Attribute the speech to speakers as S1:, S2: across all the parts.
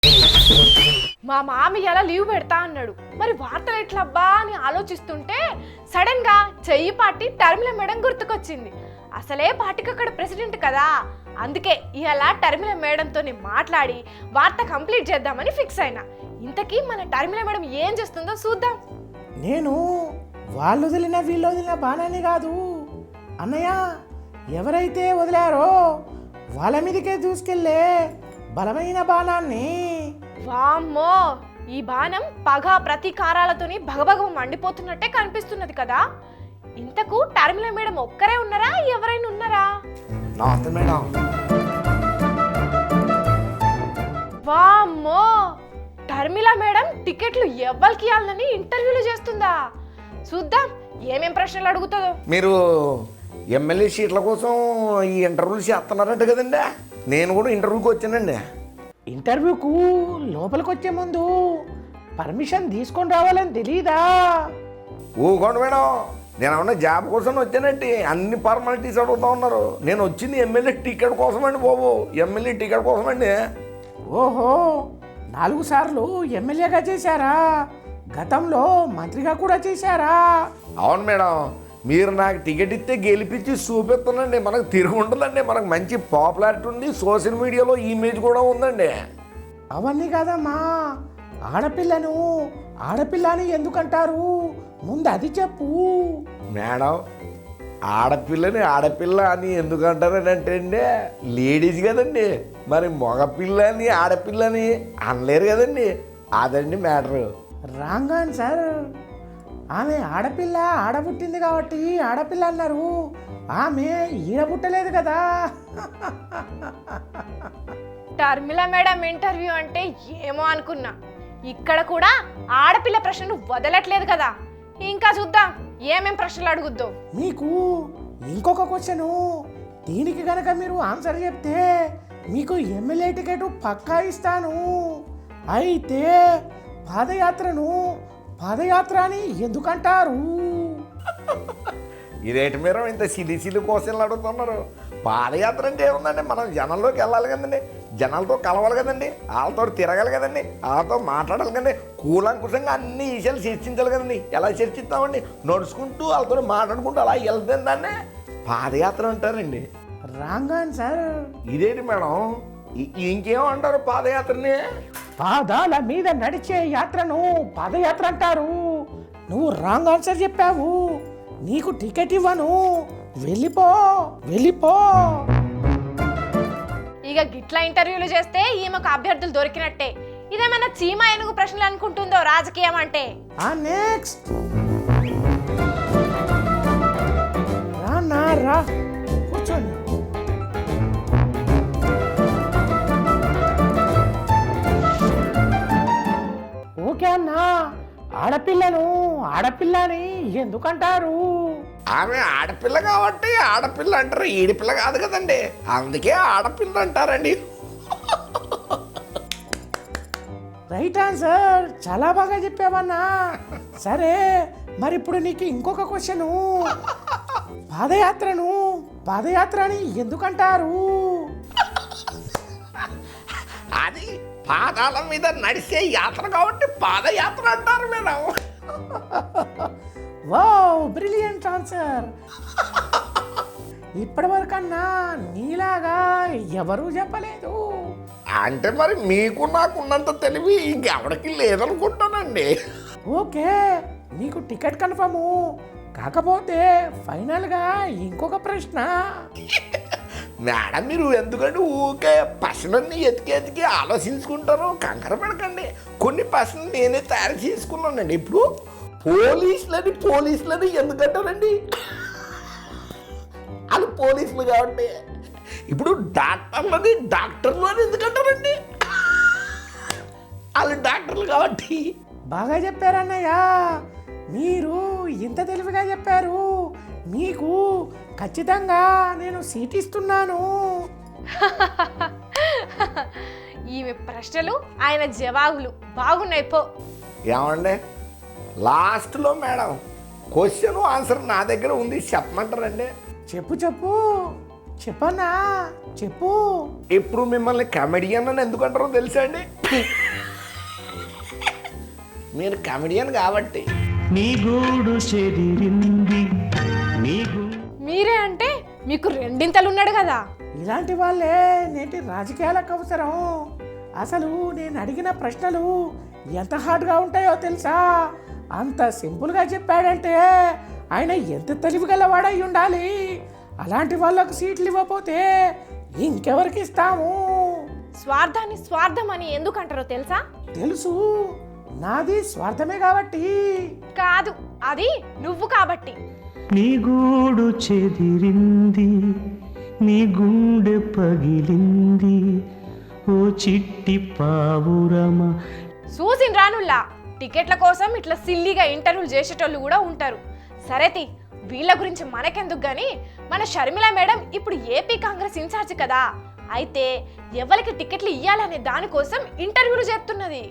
S1: మా మామయ్య అలా లీవ్ పెడతా అన్నాడు. మరి వార్తలు ఎట్లబ్బా అని ఆలోచిస్తుంటే సడన్ గా చెయ్యి పార్టీ టర్మిల మేడం గుర్తుకొచ్చింది. అసలే పార్టీకి అక్కడ ప్రెసిడెంట్ కదా, అందుకే ఇలా టర్మిల మేడంతో మాట్లాడి వార్త కంప్లీట్ చేద్దామని ఫిక్స్ అయినా. ఇంతకీ మన టర్మిల మేడం ఏం చేస్తుందో చూద్దాం.
S2: నేను వాళ్ళు వదిలిన వీళ్ళు వదిలిన బాణాన్ని కాదు అన్నయ్య, ఎవరైతే వదిలారో వాళ్ళ మీదకే దూసుకెళ్ళే బలమైన బాణాన్ని.
S1: వామ్మో, ఈ బాణం పగ ప్రతీకారాలతోని భగభగ మండిపోతున్నట్టే కనిపిస్తున్నది కదా. ఇంతకు టర్మిల మేడం ఒక్కరే ఉన్నారా, ఎవరైనా ఉన్నారా?
S2: మేడం.
S1: వామ్మో, టర్మిల మేడం టికెట్లు ఎవ్వరికి ఇవ్వాలని ఇంటర్వ్యూలు చేస్తుందా? చూద్దాం ఏమేం ప్రశ్నలు అడుగుతుందో.
S3: మీరు ఎమ్మెల్యే సీట్ల కోసం ఈ ఇంటర్వ్యూలు చేస్తున్నారంట కదండి. నేను కూడా ఇంటర్వ్యూకి వచ్చానండి.
S2: ఇంటర్వ్యూకు లోపలికి వచ్చే ముందు పర్మిషన్ తీసుకొని రావాలని తెలీదా?
S3: ఊకోండి మేడం, నేను ఏమన్నా జాబ్ కోసం వచ్చానంటే అన్ని ఫార్మాలిటీస్ అడుగుతా ఉన్నారు. నేను వచ్చింది ఎమ్మెల్యే టికెట్ కోసం అండి బాబు, ఎమ్మెల్యే టికెట్ కోసం అండి.
S2: ఓహో, 4 సార్లు ఎమ్మెల్యేగా చేశారా? గతంలో మంత్రిగా కూడా చేశారా?
S3: అవును మేడం, మీరు నాకు టికెట్ ఇస్తే గెలిపించి చూపిస్తానండి. మనకు తిరిగి ఉండదండి, మనకు మంచి పాపులారిటీ ఉంది, సోషల్ మీడియాలో ఇమేజ్ కూడా ఉందండి.
S2: అవన్నీ కాదమ్మా, ఆడపిల్ల అని ఎందుకంటారు? ముందు అది చెప్పు.
S3: మేడం, ఆడపిల్ల అని ఎందుకంటారని అంటే అండి, లేడీస్ కదండి, మరి మగపిల్లని ఆడపిల్లని అనలేరు కదండి, అదండి మ్యాటరు.
S2: Wrong answer. ఆమె ఆడపుట్టింది కాబట్టి ఆడపిల్ల అన్నారు. ఆమె ఈడపుట్టలేదు కదా.
S1: టర్మిల మేడం ఇంటర్వ్యూ అంటే ఏమో అనుకున్నా, ఇక్కడ కూడా ఆడపిల్ల ప్రశ్నలు వదలట్లేదు కదా. ఇంకా చూద్దాం ఏమేం ప్రశ్నలు అడుగుద్దో.
S2: మీకు ఇంకొక క్వశ్చను, దీనికి గనక మీరు ఆన్సర్ చెప్తే మీకు ఎమ్మెల్యే టికెట్ పక్కా ఇస్తాను. అయితే పాదయాత్ర అని ఎందుకంటారు?
S3: ఇదేంటి మీరు ఇంత సిలి క్వశ్చన్లు అడుగుతున్నారు? పాదయాత్ర అంటే ఏముందండి, మనం జనంలోకి వెళ్ళాలి కదండి, జనాలతో కలవాలి కదండి, వాళ్ళతో తిరగాలి కదండి, వాళ్ళతో మాట్లాడాలి కదండి, కూలంకుశంగా అన్ని విషయాలు చర్చించాలి కదండి. ఎలా చర్చిస్తామండి? నడుచుకుంటూ వాళ్ళతో మాట్లాడుకుంటూ అలా వెళ్తుంది దాన్ని పాదయాత్ర అంటారండి.
S2: Wrong answer.
S3: ఇదేంటి మేడం, ఇంకేమంటారు పాదయాత్రని?
S2: పాదాల మీద నడిచే యాత్రను పాదయాత్ర అంటారు. నువ్వు రాంగ్ ఆన్సర్ చెప్పావు, నీకు టికెట్ ఇవ్వను, వెళ్ళిపో.
S1: ఇక గిట్లా ఇంటర్వ్యూలు చేస్తే ఈమెకు అభ్యర్థులు దొరికినట్టే. ఇదేమన్నా చీమ ఏనుగు ప్రశ్నలు అనుకుంటుందో రాజకీయం అంటే.
S2: నెక్స్ట్ రా కూర్చోండి. ఓకే అన్నా, ఆడపిల్లని ఎందుకంటారు?
S3: ఆమె ఆడపిల్ల కాబట్టి ఆడపిల్ల అంటారు, ఈడిపిల్ల కాదు కదండి, అందుకే ఆడపిల్ల అంటారండి.
S2: రైట్ ఆన్సర్, చాలా బాగా చెప్పావన్నా. సరే, మరి ఇప్పుడు నీకు ఇంకొక క్వశ్చను, పాదయాత్ర అని ఎందుకంటారు?
S3: అది పాదాల మీద నడిచే యాత్ర కాబట్టి పాదయాత్ర అంటారు మేడం.
S2: Wow, brilliant answer. ఇప్పటివరకన్నా నీలాగా ఎవరూ చెప్పలేదు.
S3: అంటే మరి మీకు నాకున్నంత తెలివి ఇంకెవరికి లేదనుకుంటానండి.
S2: ఓకే, నీకు టికెట్ కన్ఫర్ము. కాకపోతే ఫైనల్గా ఇంకొక ప్రశ్న.
S3: మేడం, మీరు ఎందుకంటే ఊకే ప్రశ్నల్ని ఎతికి ఆలోచించుకుంటారు, కంగారు పడకండి. కొన్ని ప్రశ్నలు నేనే తయారు చేసుకున్నానండి. ఇప్పుడు పోలీసులని ఎందుకంటారండి? వాళ్ళు పోలీసులు కాబట్టి. ఇప్పుడు డాక్టర్లు అని ఎందుకంటారండి? వాళ్ళు డాక్టర్లు కాబట్టి.
S2: బాగా చెప్పారన్నయ్య, మీరు ఇంత తెలివిగా చెప్పారు. మీకు ఖచ్చితంగా నేను సీట్ ఇస్తున్నాను.
S1: ఈమె ప్రశ్నలు ఆయన జవాబులు బాగున్నాయి పో.
S3: ఏమండి, లాస్ట్లో మేడం క్వశ్చన్ ఆన్సర్ నా దగ్గర ఉంది, చెప్పమంటారండి?
S2: చెప్పు. చెప్పన్నా చెప్పు.
S3: ఇప్పుడు మిమ్మల్ని కమెడియన్ అని ఎందుకు అంటారో తెలుసా అండి? మీరు కమెడియన్ కాబట్టి.
S4: నీ గూడు చెదిరింది నీ
S1: మీరే అంటే మీకు రెండింతలు ఉన్నాడు కదా.
S2: ఇలాంటి వాళ్ళే నేటి రాజకీయాలకు అవసరం. అసలు నేను అడిగిన ప్రశ్నలు ఎంత హార్డ్గా ఉంటాయో తెలుసా? అంత సింపుల్గా చెప్పాడంటే ఆయన ఎంత తెలివిగలవాడై ఉండాలి. అలాంటి వాళ్ళకు సీట్లు ఇవ్వకపోతే ఇంకెవరికి ఇస్తాము?
S1: స్వార్థాన్ని స్వార్థం అని ఎందుకు అంటారో తెలుసా?
S2: తెలుసు, నాది స్వార్థమే కాబట్టి.
S1: కాదు, అది నువ్వు కాబట్టి.
S4: నీ గూడు చెదిరింది నీ గుండె పగిలింది ఓ చిట్టి పావురమ.
S1: చూసిన రానుల్లా టికెట్ల కోసం ఇట్లా సిల్లీగా ఇంటర్వ్యూలు చేసేటోళ్ళు కూడా ఉంటారు. సరేతి, వీళ్ళ గురించి మనకెందుకు గాని, మన షర్మిల మేడం ఇప్పుడు ఏపీ కాంగ్రెస్ ఇన్ఛార్జ్ కదా. అయితే ఎవరికి టికెట్లు ఇవ్వాలనే దానికోసం ఇంటర్వ్యూలు చేస్తున్నది.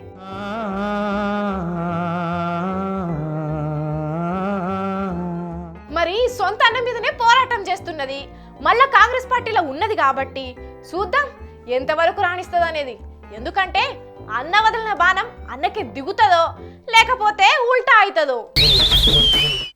S1: మరి సొంత అన్న మీదనే పోరాటం చేస్తున్నది. మళ్ళా కాంగ్రెస్ పార్టీలో ఉన్నది కాబట్టి చూద్దాం ఎంతవరకు రాణిస్తుంది అనేది. ఎందుకంటే అన్న వదిలిన బాణం అన్నకి దిగుతుందో లేకపోతే ఉల్టా అవుతుందో.